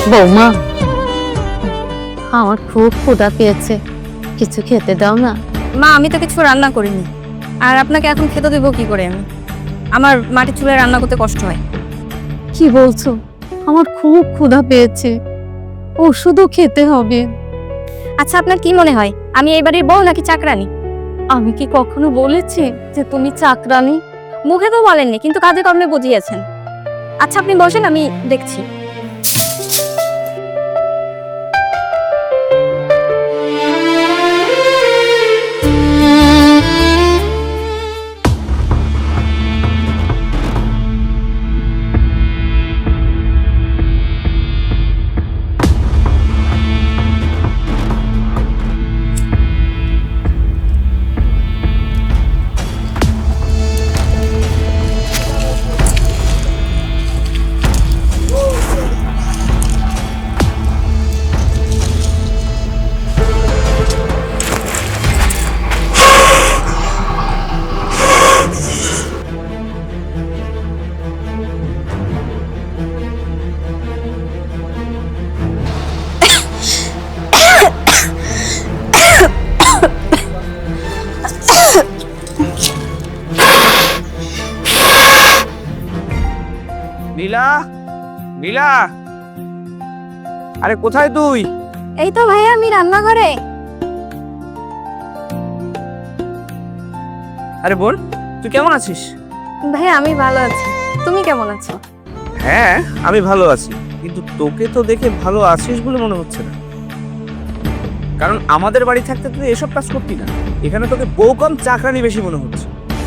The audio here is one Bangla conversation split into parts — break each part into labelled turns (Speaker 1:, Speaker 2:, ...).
Speaker 1: বৌমা, আমার খুব ক্ষুধা পেয়েছে, কিছু খেতে দাও না।
Speaker 2: মা, আমি তো কিছু রান্না করিনি, আর আপনাকে এখন খেতে দেবো কি করে? আমি আমার মাটির চুলায় রান্না করতে কষ্ট হয়।
Speaker 1: কি বলছো? আমার খুব ক্ষুধা পেয়েছে, ওষুধও খেতে হবে।
Speaker 2: আচ্ছা, আপনার কি মনে হয় আমি এই বাড়ির বউ নাকি চাকরানি?
Speaker 1: আমি কি কখনো বলেছি যে তুমি চাকরানি?
Speaker 2: মুখে তো বলেননি, কিন্তু কাজে কর্মে বুঝিয়েছেন। আচ্ছা, আপনি বসেন, আমি দেখছি।
Speaker 3: নীলা, নীলা, আরে কোথায় তুই?
Speaker 2: এই তো ভাইয়া, আমি রান্নাঘরে।
Speaker 3: আরে বল, তুই কেমন আছিস?
Speaker 2: ভাইয়া, আমি ভালো আছি, তুমি কেমন আছো?
Speaker 3: হ্যাঁ, আমি ভালো আছি, কিন্তু তোকে তো দেখে ভালো আছিস বলে মনে হচ্ছে না। কারণ আমাদের বাড়ি থাকতে তুই এসব কাজ করতি না। এখানে তোকে বউ কম চাকরানি বেশি মনে হচ্ছে।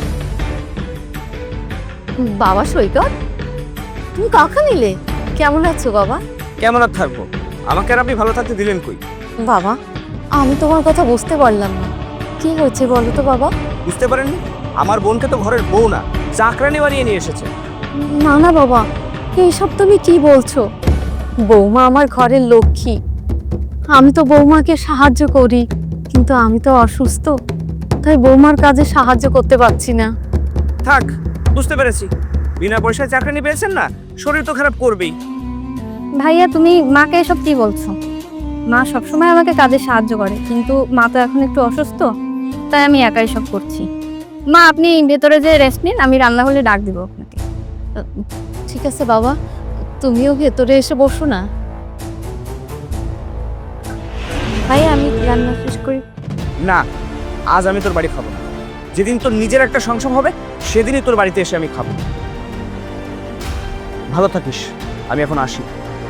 Speaker 1: বাবা সৈকত, তুমি কখন এলে? কেমন আছো বাবা?
Speaker 3: কেমন আর থাকবো, আমাকে আর আপনি ভালো থাকতে দিলেন কই?
Speaker 1: বাবা, আমি তোমার কথা বুঝতে পারলাম না, কি হয়েছে বলো তো বাবা?
Speaker 3: বুঝতে পারেননি? আমার বোনকে তো ঘরের বউ না, চাকরানি বানিয়ে নিয়ে এসেছে।
Speaker 1: না না বাবা, এইসব তুমি কি বলছো? বৌমা আমার ঘরের লক্ষ্মী, আমি তো বৌমাকে সাহায্য করি, কিন্তু আমি তো অসুস্থ, তাই বৌমার কাজে সাহায্য করতে পারছি না।
Speaker 3: থাক, বুঝতে পেরেছি, বিনা পয়সায় চাকরানি পেয়েছেন না, শরীর তো খারাপ করবেই।
Speaker 2: ভাইয়া, তুমি মাকে এসব কি বলছো? মা সবসময় আমাকে কাজে সাহায্য করে, কিন্তু মা তো এখন একটু অসুস্থ, তাই আমি একাই সব করছি। মা, আপনি ভেতরে যে রেস্ট নিন, আমি রান্না হলে ডাক দিব আপনাকে।
Speaker 1: ঠিক আছে বাবা, তুমিও ভেতরে এসে বসো না।
Speaker 2: ভাইয়া, আমি রান্না শেষ করি।
Speaker 3: না, আজ আমি তোর বাড়ি খাবো না। যেদিন তোর নিজের একটা সংসার হবে সেদিনই তোর বাড়িতে এসে আমি খাবো। ভালো থাকিস, আমি এখন আসি।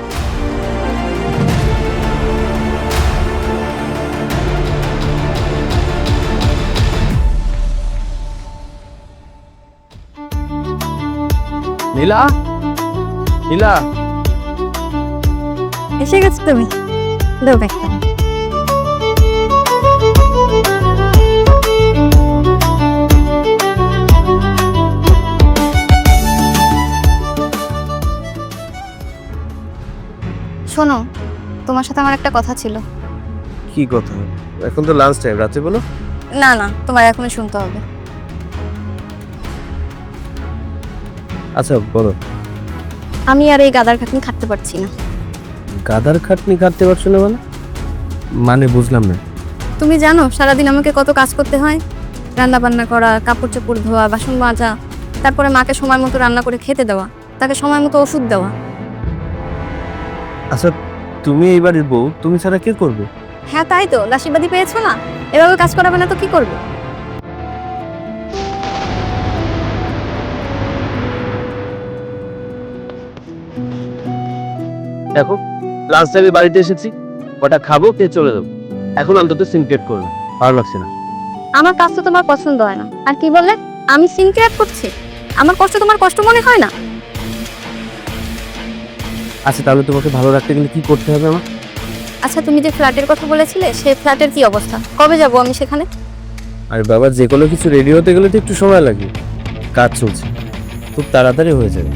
Speaker 3: নীলা, নীলা,
Speaker 2: এসে গেছো তুমি? দাও ব্যাগটা। শোনো, তোমার সাথে আমার একটা কথা ছিল।
Speaker 3: কি কথা? এখন তো লাঞ্চ টাইম, রাতে বলো।
Speaker 2: না না, তোমার এখনই শুনতে হবে।
Speaker 3: আচ্ছা বলো।
Speaker 2: আমি আর এই গাদার খাটনি খাটতে পারছি না।
Speaker 3: গাদার খাটনি কাটতে পারছো না মানে? মানে বুঝলাম না।
Speaker 2: তুমি জানো সারাদিন আমাকে কত কাজ করতে হয়? রান্না বান্না করা, কাপড় চোপড় ধোয়া, বাসন মাজা, তারপরে মাকে সময় মতো রান্না করে খেতে দেওয়া, তাকে সময় মতো ওষুধ দেওয়া।
Speaker 3: আচ্ছা, তুমি এই বাড়ির বউ, তুমি ছাড়া কে করবে?
Speaker 2: হ্যাঁ, তাই তো, দাসীবাদী পেয়েছো না? এভাবে কাজ করাবে না তো কি করবে?
Speaker 4: দেখো, লাঞ্চ টাইমে বাড়িতে এসেছি, ওটা খাবো, খেয়ে চলে যাবো। এখন অন্তত সিনক্রেট করবে, ভালো লাগছে না।
Speaker 2: আমার কাজ তো তোমার পছন্দ হয় না, আর কি বললে আমি সিনক্রেট করছি? আমার কষ্ট তোমার কষ্ট মনে হয় না?
Speaker 4: আচ্ছা, তাহলে তোমাকে ভালো রাখতে গেলে কি করতে হবে আমার?
Speaker 2: আচ্ছা, তুমি যে ফ্ল্যাটের কথা বলেছিলে, সেই ফ্ল্যাটের কি অবস্থা? কবে যাব আমি সেখানে?
Speaker 4: আর বাবা, যে কোনো কিছু রেডি হতে গেলে তো একটু সময় লাগে, কাজ চলছে, খুব তাড়াতাড়ি হয়ে যাবে।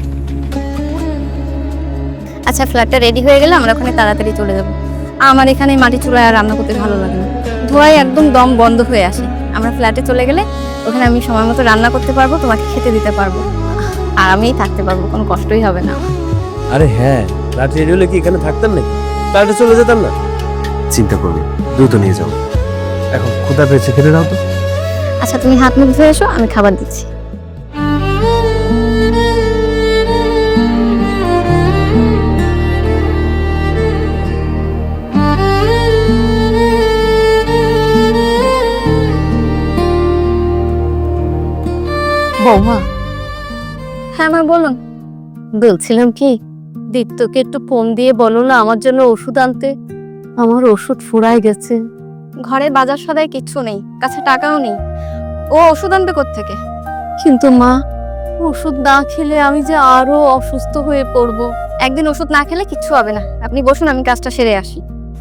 Speaker 2: আচ্ছা, ফ্ল্যাটটা রেডি হয়ে গেলে আমরা ওখানে তাড়াতাড়ি চলে যাব। আমার এখানে মাটি চুলায় আর রান্না করতে ভালো লাগে না, ধোঁয়ায় একদম দম বন্ধ হয়ে আসে। আমরা ফ্ল্যাটে চলে গেলে ওখানে আমি সময় মতো রান্না করতে পারবো, তোমাকে খেতে দিতে পারবো, আর আমিই থাকতে পারবো, কোনো কষ্টই হবে না।
Speaker 4: আরে হ্যাঁ, রাত রেডি হলে কি এখানে থাকতেন নাকি? ফ্লাইটে চলে যেতাম না। চিন্তা করবি, দ্রুত নিয়ে যাও। এখন ক্ষুধা পেয়েছে, খেতে দাও তো।
Speaker 2: আচ্ছা তুমি হাত মুখ ধুয়ে এসো, আমি খাবার দিচ্ছি।
Speaker 1: বৌমা,
Speaker 2: হ্যাঁ মা বলুন।
Speaker 1: বলছিলাম কি, দীপ্তকে একটু ফোন দিয়ে বলো না আমার জন্য ওষুধ আনতে। আমার ওষুধ ফুরায় গেছে।
Speaker 2: ঘরে বাজার সদাই কিচ্ছু নেই, কাছে টাকাও নেই, ও ওষুধ আনবে কোত্থেকে?
Speaker 1: কিন্তু মা, ওষুধ না খেলে আমি যে আরো অসুস্থ হয়ে পড়বো।
Speaker 2: একদিন ওষুধ না খেলে কিচ্ছু হবে না, আপনি বসুন, আমি কাজটা সেরে আসি।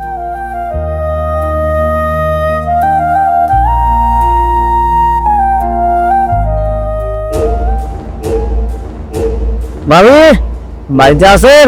Speaker 4: ভাবি, বাড়িতে আছেন?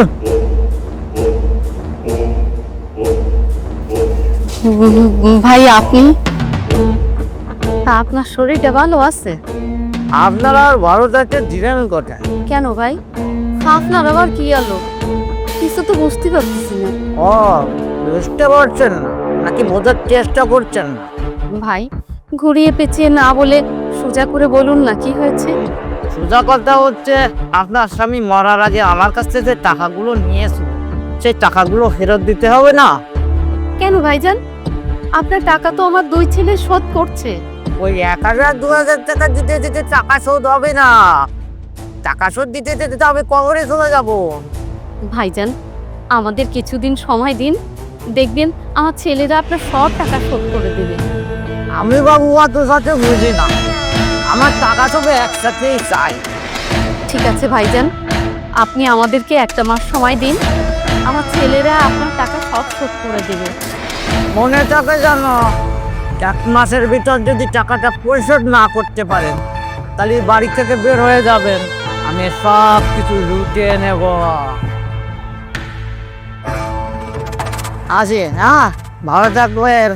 Speaker 1: ভাই আপনি? তা আপনার শরীরটা ভালো আছে?
Speaker 3: আপনারা আর ভারতে দিলেন কোথায়?
Speaker 1: কেন ভাই, আপনার আবার কি আলো? কিছু তো বুঝতে পারতেছি না।
Speaker 3: ও, বুঝতে পারছেন না নাকি বোঝার চেষ্টা করছেন না?
Speaker 1: ভাই, ঘুরিয়ে পেঁচিয়ে না বলে সোজা করে বলুন না কি হয়েছে।
Speaker 3: সোজা কথা হচ্ছে, আপনার স্বামী মরার আগে আমার কাছ থেকে যে টাকাগুলো নিয়েছিল, সেই টাকাগুলো ফেরত দিতে হবে না?
Speaker 1: কেন ভাইজান, আপনার টাকা তো আমার দুই ছেলে শোধ করছে।
Speaker 3: ওই 1000-2000 টাকা দিতে দিতে টাকা শোধ হবে না। টাকা শোধ দিতে দিতে তো আমি কবরে চলে যাব।
Speaker 1: ভাইজান, আমাদের কিছুদিন সময় দিন, দেখবেন আমার ছেলেরা আপনার সব টাকা শোধ করে দেবে।
Speaker 3: আমি বাবু অত সাথে বুঝি না, আমার টাকা সবে একসাথেই চাই।
Speaker 1: ঠিক আছে ভাইজান, আপনি আমাদেরকে একটা মাস সময় দিন, আমার ছেলেরা আপনার টাকা সব শোধ করে দেবে।
Speaker 3: মনে থাকে জানো, 1 মাসের ভিতর যদি টাকাটা পরিশোধ না করতে পারেন, তাহলে বাড়ি থেকে বের হয়ে যাবেন, আমি সব কিছু লুটিয়ে নেব। আসি, হ্যাঁ, ভালো থাকবেন।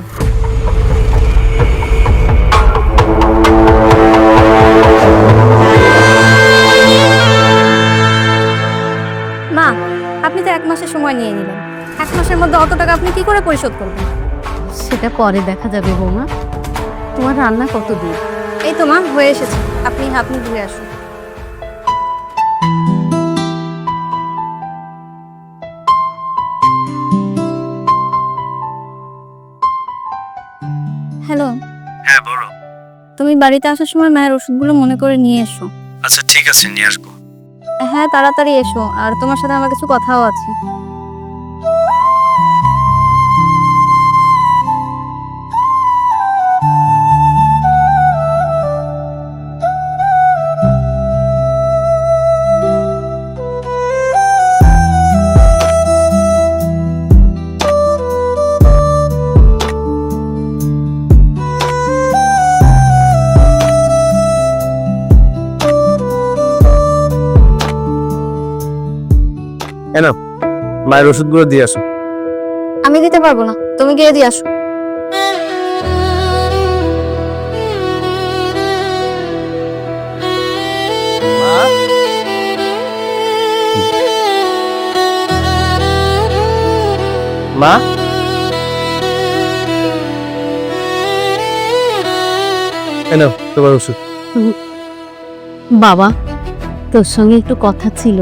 Speaker 2: মা, আপনি তো 1 মাসের সময় নিয়ে নিলেন, 1 মাসের মধ্যে অত টাকা আপনি কি করে পরিশোধ করবেন?
Speaker 1: সেটা পরে দেখা যাবে বৌমা। তোমার রান্না কত দূর?
Speaker 2: এই তো মা, হয়ে এসেছে, আপনি হাত মুখ ধুয়ে আসুন। হ্যালো।
Speaker 5: হ্যাঁ বলো।
Speaker 2: তুমি বাড়িতে আসার সময় মায়ের ওষুধগুলো মনে করে নিয়ে এসো।
Speaker 5: আচ্ছা ঠিক আছে, নিয়ে আসবো।
Speaker 2: হ্যাঁ তাড়াতাড়ি এসো, আর তোমার সাথে আমার কিছু কথাও আছে।
Speaker 4: এনো, মায়ের ওষুধগুলো দিয়ে আসো।
Speaker 2: আমি দিতে পারবো না, তুমি গিয়ে দিয়ে আসো।
Speaker 4: মা, এনো তোমার ওষুধ।
Speaker 1: বাবা, তোর সঙ্গে একটু কথা ছিল।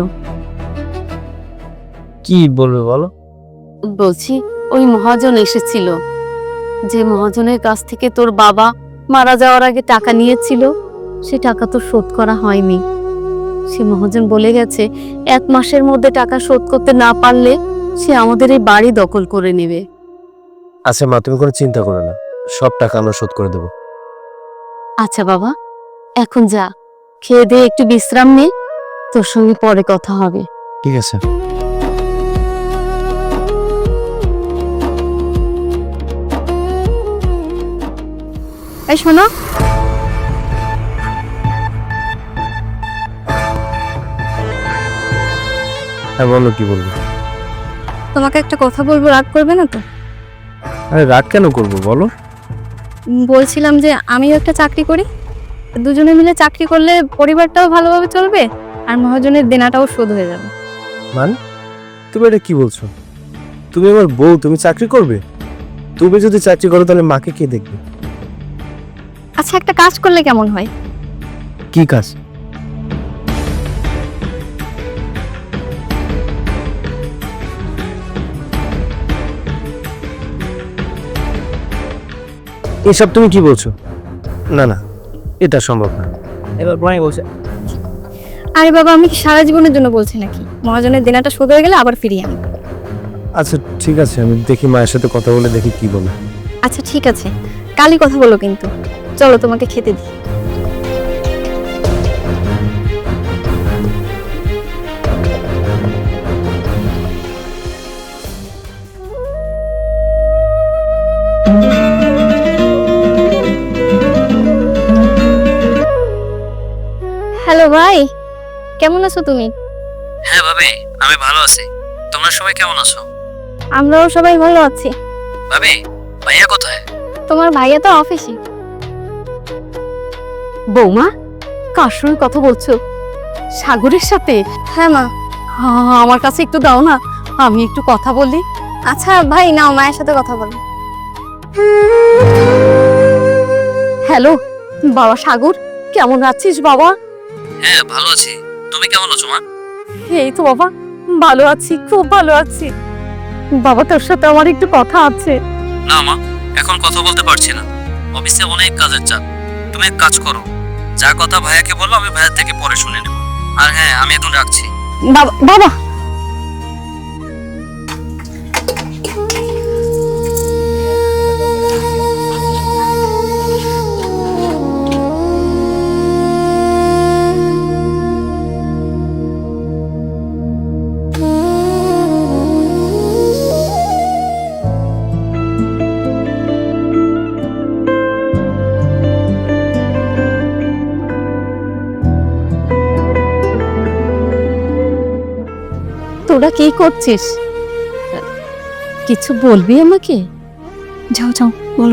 Speaker 4: কি বলবে বলো?
Speaker 1: বলছি, ওই মহাজন এসেছিল, যে মহাজনের কাছ থেকে তোর বাবা মারা যাওয়ার আগে টাকা নিয়েছিল, সে টাকা তো শোধ করা হয়নি। সে মহাজন বলে গেছে 1 মাসের মধ্যে টাকা শোধ করতে না পারলে সে আমাদের এই বাড়ি দখল করে নেবে।
Speaker 4: আচ্ছা মা, তুমি কোনো চিন্তা করো না, সব টাকা আমরা শোধ করে দেবো।
Speaker 1: আচ্ছা বাবা, এখন যা, খেয়ে দিয়ে একটু বিশ্রাম নে, তোর সঙ্গে পরে কথা হবে।
Speaker 4: ঠিক আছে।
Speaker 2: এই শোনো,
Speaker 4: হ্যাঁ বলো, কি বলবো?
Speaker 2: তোমাকে একটা কথা বলবো, রাগ করবে না তো?
Speaker 4: আরে রাগ কেন করবো বলো।
Speaker 2: বলছিলাম যে আমিও একটা চাকরি করি, দুজনে মিলে চাকরি করলে পরিবারটাও ভালোভাবে চলবে আর মহাজনের দেনাটাও শোধ হয়ে যাবে।
Speaker 4: মানে? তুমি এটা কি বলছো? তুমি আমার বউ, তুমি চাকরি করবে? তুমি যদি চাকরি করো তাহলে মাকে কে দেখবে?
Speaker 2: আচ্ছা, একটা কাজ করলে কেমন হয়?
Speaker 4: কি কাজ? এসব তুমি কি বলছো? না না, এটা সম্ভব না।
Speaker 3: এবার বলাই বলছে,
Speaker 2: আরে বাবা, আমি কি সারা জীবনের জন্য বলছি নাকি? মহাজনের দেনাটা শোধ হয়ে গেলে আবার ফিরিয়ে আনি।
Speaker 4: আচ্ছা ঠিক আছে, আমি দেখি মায়ের সাথে কথা বলে দেখি কি বলে।
Speaker 2: আচ্ছা ঠিক আছে, কালই কথা বলো কিন্তু। চলো তোমাকে খেতে দিই। হ্যালো ভাই, কেমন আছো তুমি?
Speaker 5: হ্যাঁ ভাবি, আমি ভালো আছি। তোমরা সবাই কেমন আছো?
Speaker 2: আমরাও সবাই ভালো আছি।
Speaker 5: ভাবি, ভাইয়া কোথায়?
Speaker 2: তোমার ভাইয়া তো অফিসে।
Speaker 1: বৌমা, কার সঙ্গে কথা বলছো? সাগরের সাথে?
Speaker 2: হ্যাঁ মা।
Speaker 1: আমার কাছে একটু দাও না, আমি একটু কথা বলি।
Speaker 2: আচ্ছা ভাই, নাও মায়ের সাথে কথা বলো।
Speaker 1: হ্যালো বাবা সাগর, কেমন আছিস বাবা?
Speaker 5: হ্যাঁ ভালো আছি। তুমি কেমন আছো মা?
Speaker 1: এই তো বাবা, ভালো আছি, খুব ভালো আছি। বাবা, তোর সাথে আমার একটু কথা আছে।
Speaker 5: না মা, এখন কথা বলতে পারছি না। অফিসে অনেক কাজের চাপ। তুমি এক কাজ করো, যা কথা ভাইয়াকে বলো, আমি ভাইয়ার থেকে পরে শুনে নেব। আর হ্যাঁ, আমি এখন রাখছি।
Speaker 1: বাবা বাবা, তোরা কি করছিস? কিছু বলবি আমাকে?
Speaker 2: যাও যাও, বলো।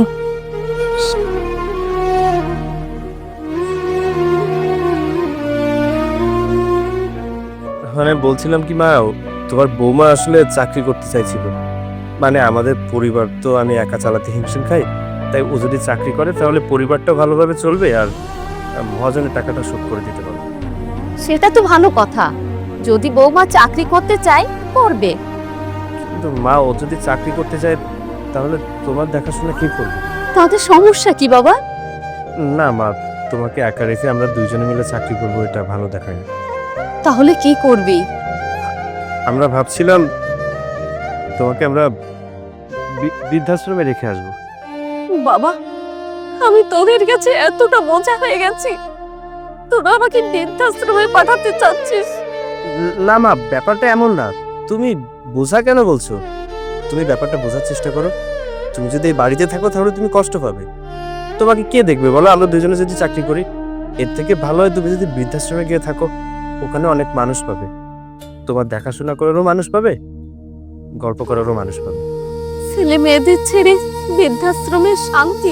Speaker 4: মানে বলছিলাম কি মা, তোমার বৌমা আসলে চাকরি করতে চাইছিল। মানে আমাদের পরিবার তো আমি একা চালাতে হিমশিম খাই, তাই ও যদি চাকরি করে তাহলে পরিবারটা ভালোভাবে চলবে আর মহাজনের টাকাটা শোধ করে দিতে পারবে।
Speaker 1: সেটা তো ভালো কথা, যদি বৌমা চাকরি করতে চায় করবে।
Speaker 4: কিন্তু মা, ও যদি চাকরি করতে চায় তাহলে তোমার দেখাশোনা কে করবে?
Speaker 1: তাদের সমস্যা কি বাবা?
Speaker 4: না মা, তোমাকে একা রেখে আমরা দুইজনে মিলে চাকরি করবো, এটা ভালো দেখায় না।
Speaker 1: তাহলে কি করবি?
Speaker 4: আমরা ভাবছিলাম তোমাকে আমরা বৃদ্ধাশ্রমে রেখে আসবো।
Speaker 1: বাবা, আমি তোদের কাছে এতটা বোঝা হয়ে গেছি, তোরা আমাকে বৃদ্ধাশ্রমে পাঠাতে চাচ্ছিস?
Speaker 4: না মা, ব্যাপারটা এমন না। তুমি বোঝা কেন বলছো? তুমি ব্যাপারটা বোঝার চেষ্টা করো। তুমি যদি এই বাড়িতে থাকো তাহলে তুমি কষ্ট পাবে। তোমাকে কে দেখবে বলো? আমরা দুজনে যদি চাকরি করি, এর থেকে ভালো হয় তুমি যদি বৃদ্ধাশ্রমে গিয়ে থাকো। ওখানে অনেক মানুষ পাবে, তোমার দেখাশোনা করারও মানুষ পাবে, গল্প করারও মানুষ পাবে।
Speaker 1: ছেলে মেয়েদের ছেড়ে বৃদ্ধাশ্রমের শান্তি।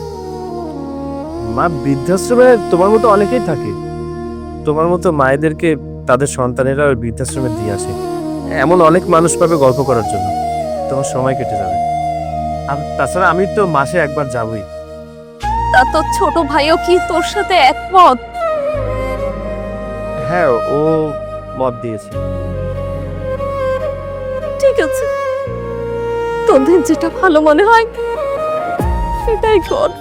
Speaker 4: মা, বৃদ্ধাশ্রমে তোমার মতো অনেকেই থাকে। তোমার মতো মায়েদেরকে তাদের সন্তানেরা ওই বৃদ্ধাশ্রমে দিয়ে আসে। এমন অনেক মানুষ পাবে গল্প করার জন্য, তোমার সময় কেটে যাবে। আর তাছাড়া আমি তো মাসে একবার যাবই।
Speaker 1: তা তোর ছোট ভাইও কি তোর সাথে একমত?
Speaker 4: হ্যাঁ, ও মত দিয়েছে।
Speaker 1: ঠিক আছে, তোদের যেটা ভালো মনে হয় সেটাই কর।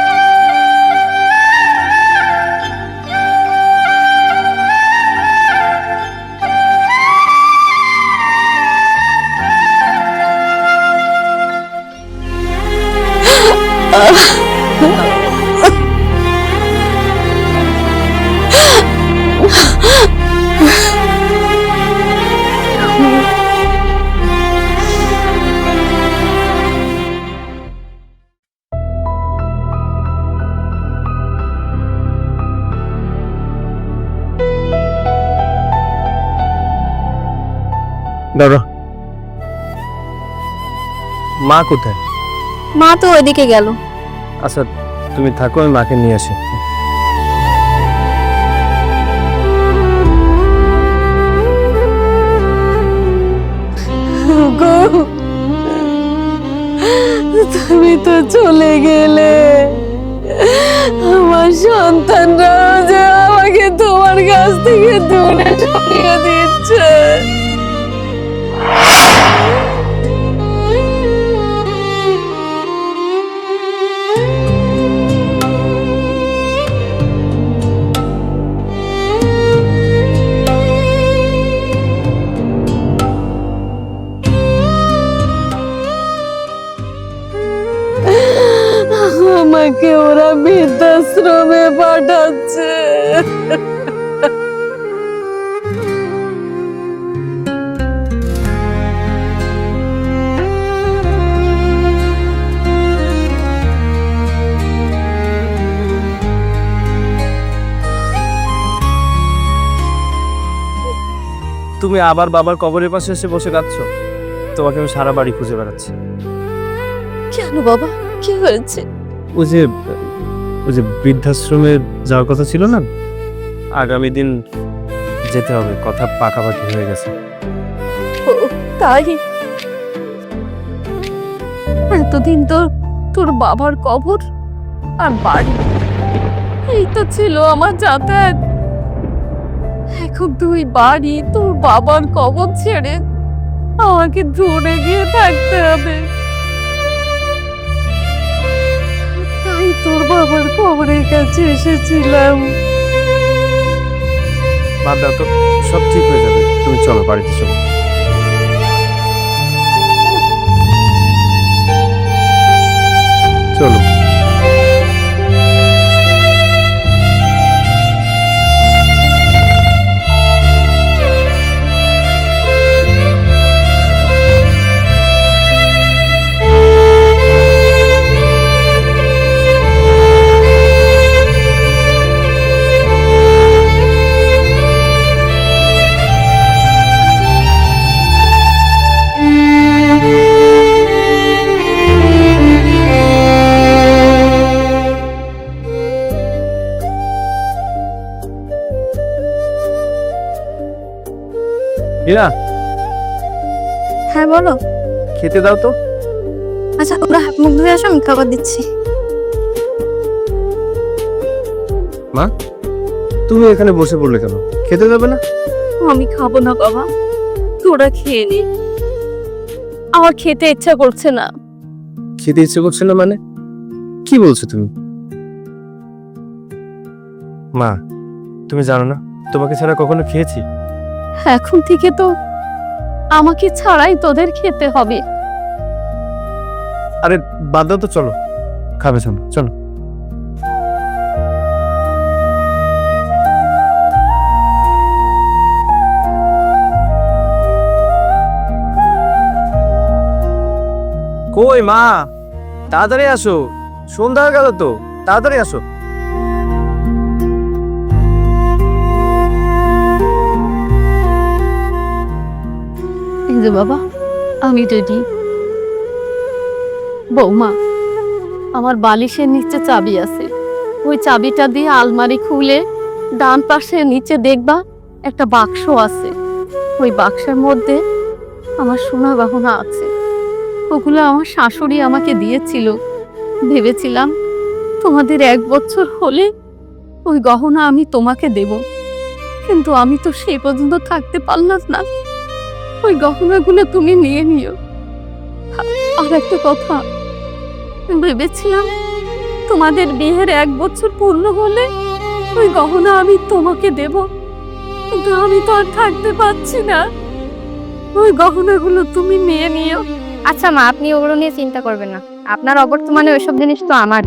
Speaker 4: দাঁড়া, মা কোথায়?
Speaker 2: মা তো ওইদিকে গেল।
Speaker 4: আচ্ছা তুমি থাকো, আমি মাকে নিয়ে আসি।
Speaker 1: তুমি তো চলে গেলে, আমার সন্তানরাও যে আমাকে তোমার কাছ থেকে দূরে সরিয়ে দিচ্ছে। আমাকে ওরা বৃদ্ধাশ্রমে পাঠাচ্ছে।
Speaker 4: তুমি আবার বাবার কবরের পাশে এসে বসে কাঁদছো? তোমাকে আমি সারা বাড়ি খুঁজে বেড়াচ্ছি।
Speaker 1: কেন বাবা, কি হয়েছে?
Speaker 4: ওই যে বৃদ্ধাশ্রমে যাওয়ার কথা ছিল না, আগামী দিন যেতে হবে, কথা পাকাপাকি হয়ে গেছে।
Speaker 1: ও তাই? এতদিন তো তোর বাবার কবর আর বাড়ি, এই তো ছিল আমার যাতায়াত। এখন তুই বাড়ি, তোর বাবার কবর ছেড়ে আমাকে দূরে গিয়ে থাকতে হবে। তাই তোর বাবার কবরের কাছে এসেছিলাম।
Speaker 4: বাদ দাও তো, সব ঠিক হয়ে যাবে। তুমি চলো, বাড়িতে চলো। চলো। হীরা,
Speaker 2: হ্যাঁ বলো।
Speaker 4: খেতে দাও তো।
Speaker 2: আচ্ছা ওরা হাত মুখ ধুয়ে আসো, আমি খাবার দিচ্ছি।
Speaker 4: মা, তুমি এখানে বসে পড়লে কেন? খেতে দেবে না?
Speaker 1: আমি খাবো না বাবা, তোরা খেয়ে নি। আমার খেতে ইচ্ছা করছে না।
Speaker 4: খেতে ইচ্ছে করছে না মানে? কি বলছো তুমি? মা, তুমি জানো না তোমাকে ছাড়া কখনো খেয়েছি?
Speaker 1: এখন থেকে তো আমাকে ছাড়াই তোদের খেতে হবে।
Speaker 4: আরে বাদ দাও তো, চলো খাবে। চলো চলো। কই মা, তাড়াতাড়ি আসো, সন্ধ্যা হয়ে গেল তো, তাড়াতাড়ি আসো।
Speaker 1: এই যে বাবা, আমি রেডি। বৌমা, আমার বালিশের নিচে চাবি আছে, ওই চাবিটা দিয়ে আলমারি খুলে ডান পাশে নিচে দেখবা একটা বাক্স আছে। ওই বাক্সের মধ্যে আমার সোনা গহনা আছে। ওগুলো আমার শাশুড়ি আমাকে দিয়েছিল। ভেবেছিলাম তোমাদের 1 বছর হলে ওই গহনা আমি তোমাকে দেব, কিন্তু আমি তো সেই পর্যন্ত থাকতে পারলাম না। ওই গহনাগুলো তুমি নিয়ে নিও। আর একটা কথা, ভেবেছিলাম তোমাদের বিয়ের 1 বছর পূর্ণ হলে ওই গহনা আমি তোমাকে দেব, কিন্তু আমি তো আর থাকতে পারছি না। ওই গহনাগুলো তুমি নিয়ে নিও।
Speaker 2: আচ্ছা মা, আপনি ওগুলো নিয়ে চিন্তা করবেন না, আপনার অবর্তমানে ওইসব জিনিস তো আমার।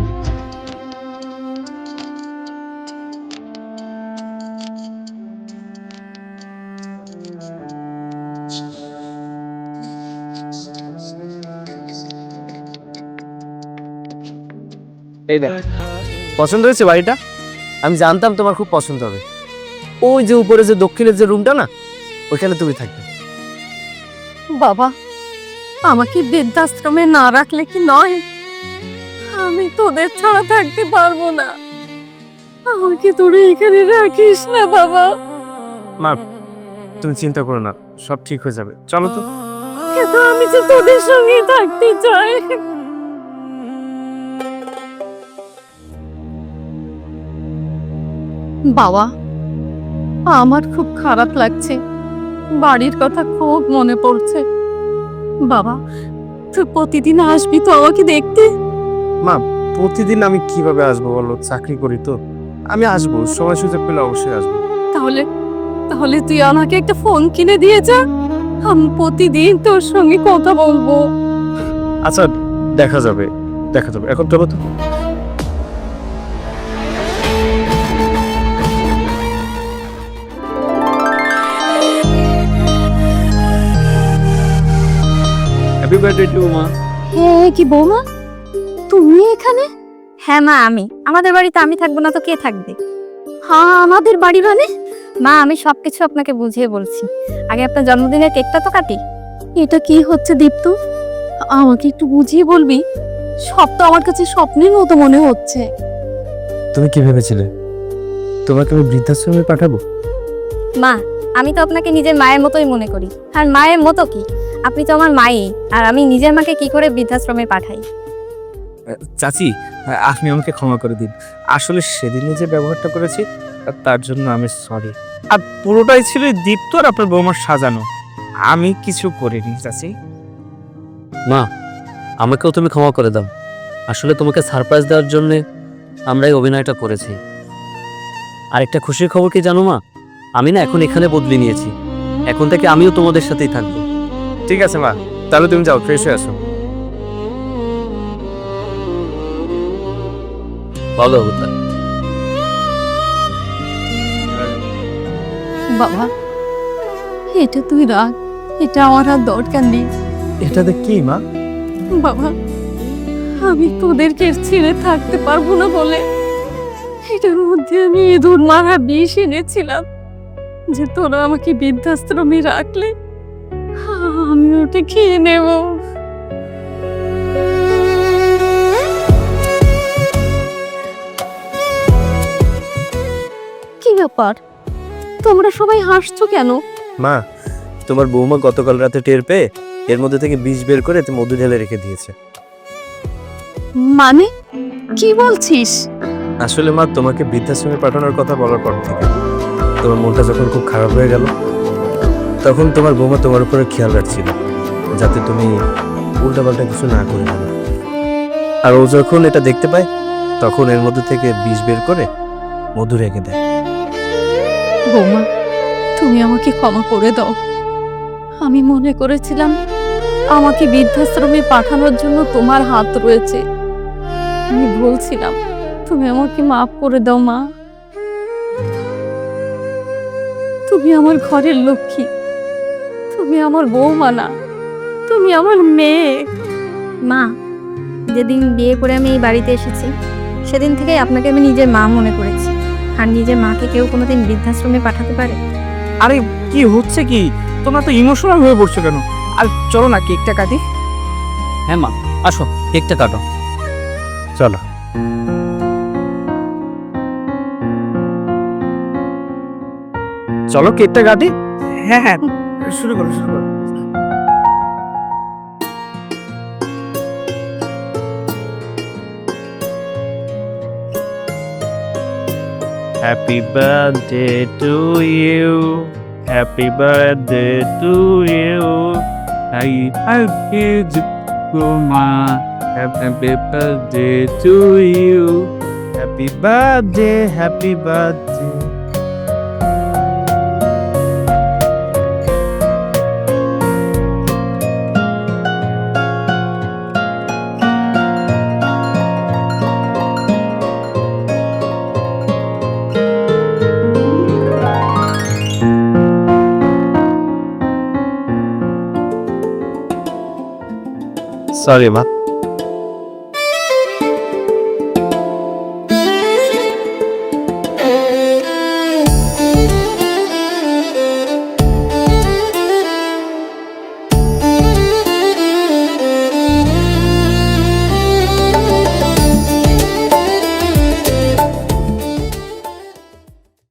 Speaker 4: এই দেখ, পছন্দ হয়েছে বাড়িটা? আমি জানতাম তোমার খুব পছন্দ হবে। ওই যে উপরে যে দক্ষিণের যে রুমটা না, ওইখানে তুমি থাকবে।
Speaker 1: বাবা, আমাকে বৃদ্ধাশ্রমে না রাখলে কি নয়? আমি তোদের ছাড়া থাকতে পারবো না। আমাকে তোরা এখানে রাখিস না বাবা।
Speaker 4: মা, তুমি চিন্তা করো না, সব ঠিক হয়ে যাবে। চলো তো।
Speaker 1: কিন্তু আমি যে তোদের সঙ্গে থাকতে চাই। বাবা, আমার খুব খারাপ লাগছে, বাড়ির কথা খুব মনে পড়ছে। বাবা, তুই প্রতিদিন আসবি তো আমাকে দেখতে?
Speaker 4: মা, প্রতিদিন আমি কিভাবে আসবো বলো, চাকরি করি তো। আমি আসবো, সময় সুযোগ পেলে অবশ্যই আসবো।
Speaker 1: তাহলে তাহলে তুই আমাকে একটা ফোন কিনে দিয়ে যা, আমি প্রতিদিন তোর সঙ্গে কথা বলবো।
Speaker 4: আচ্ছা, দেখা যাবে দেখা যাবে, এখন চলো তো।
Speaker 3: হ্যাপি বার্থডে টু মা।
Speaker 1: হ্যাঁ, কি বৌমা তুমি এখানে?
Speaker 2: হ্যাঁ মা, আমি আমাদের বাড়িতে আমি থাকবো না তো কে থাকবে?
Speaker 1: হ্যাঁ, আমাদের বাড়ি মানে?
Speaker 2: মা, আমি সবকিছু আপনাকে বুঝিয়ে বলছি। আগে আপনার জন্মদিনের কেকটা তো কাটি।
Speaker 1: এটা কি হচ্ছে দীপ্ত? আমাকে একটু বুঝিয়ে বলবি? সব তো আমার কাছে স্বপ্নের মতো মনে হচ্ছে।
Speaker 4: তুমি কি ভেবেছিলে তোমাকে আমি বৃদ্ধাশ্রমে পাঠাবো?
Speaker 2: মা, আমি তো আপনাকে নিজের মায়ের মতোই মনে করি। আর মায়ের মতো কি, আপনি তো আমার মাই। আর আমি নিজের মাকে কি করে বৃদ্ধাশ্রমে পাঠাই?
Speaker 3: চাচি, আপনি আমাকে ক্ষমা করে দিন। আসলে সেদিনে যে ব্যবহারটা করেছি তার জন্য আমি সরি। আর পুরোটাই ছিল এই দীপ্ত আর আপনার বৌমার সাজানো, আমি কিছু করিনি চাচি।
Speaker 5: মা, আমাকেও তুমি ক্ষমা করে দাও। আসলে তোমাকে সারপ্রাইজ দেওয়ার জন্য আমরা এই অভিনয়টা করেছি। আর একটা খুশির খবর কি জানো মা, আমি না এখন এখানে বদলে নিয়েছি। এখন থেকে আমিও তোমাদের সাথেই থাকবো।
Speaker 4: ঠিক আছে মা, তাহলে তুমি যাও, ফ্রেশ হয়ে আসো।
Speaker 5: বলো অবতার।
Speaker 1: বাবা, এটা তুই রাখ, এটা আমার আর দরকার নেই।
Speaker 4: এটাতে কি মা?
Speaker 1: বাবা, আমি তোদেরকে ছেড়ে থাকতে পারবো না বলে এটার মধ্যে আমি ইঁদুর মারা বিষ এনেছিলাম, যে তোরা আমাকে বৃদ্ধাশ্রমে রাখলে আমি ওটা খেয়ে নেব। কি ব্যাপার, তোমরা সবাই হাসছো কেন?
Speaker 4: মা, তোমার বৌমা গতকাল রাতে টের পেয়ে এর মধ্যে থেকে বিষ বের করে এতে মধু ঢেলে রেখে দিয়েছে।
Speaker 1: মানে কি বলছিস?
Speaker 4: আসলে মা, তোমাকে বৃদ্ধাশ্রমে পাঠানোর কথা বলার পর থেকে তোমার মনটা যখন খুব খারাপ হয়ে গেল, তখন তোমার বৌমা তোমার উপরে খেয়াল রাখছিল যাতে তুমি উল্টাপাল্টা কিছু না করে ফেলো। আর ও যখন এটা দেখতে পায় তখন এর মধ্যে থেকে বিষ বের করে মধু রেখে দেয়।
Speaker 1: বৌমা, তুমি আমাকে ক্ষমা করে দাও। আমি মনে করেছিলাম আমাকে বৃদ্ধাশ্রমে পাঠানোর জন্য তোমার হাত রয়েছে। আমি বলছিলাম, তুমি আমাকে মাফ করে দাও মা। তুমি আমার ঘরের লক্ষ্মী, তুমি আমার বৌমা না, তুমি আমার মেয়ে।
Speaker 2: মা, যেদিন বিয়ে করে আমি এই বাড়িতে এসেছি সেদিন থেকেই আপনাকে আমি নিজের মা মনে করেছি। আর নিজের মাকে কেউ কোনোদিন বৃদ্ধাশ্রমে পাঠাতে পারে?
Speaker 3: আরে কি হচ্ছে কি, তোমরা তো ইমোশনাল হয়ে পড়ছো কেন? আর চলো না কেকটা কাটি।
Speaker 5: হ্যাঁ মা, আসো কেকটা কাটো।
Speaker 4: চলো।
Speaker 3: চলো কেকটা কাটি। হ্যাঁ হ্যাঁ, শুরু করো শুরু করো।
Speaker 4: Happy birthday to you. Happy birthday to you. Happy birthday to you. Happy birthday, happy birthday. Sorry, ma.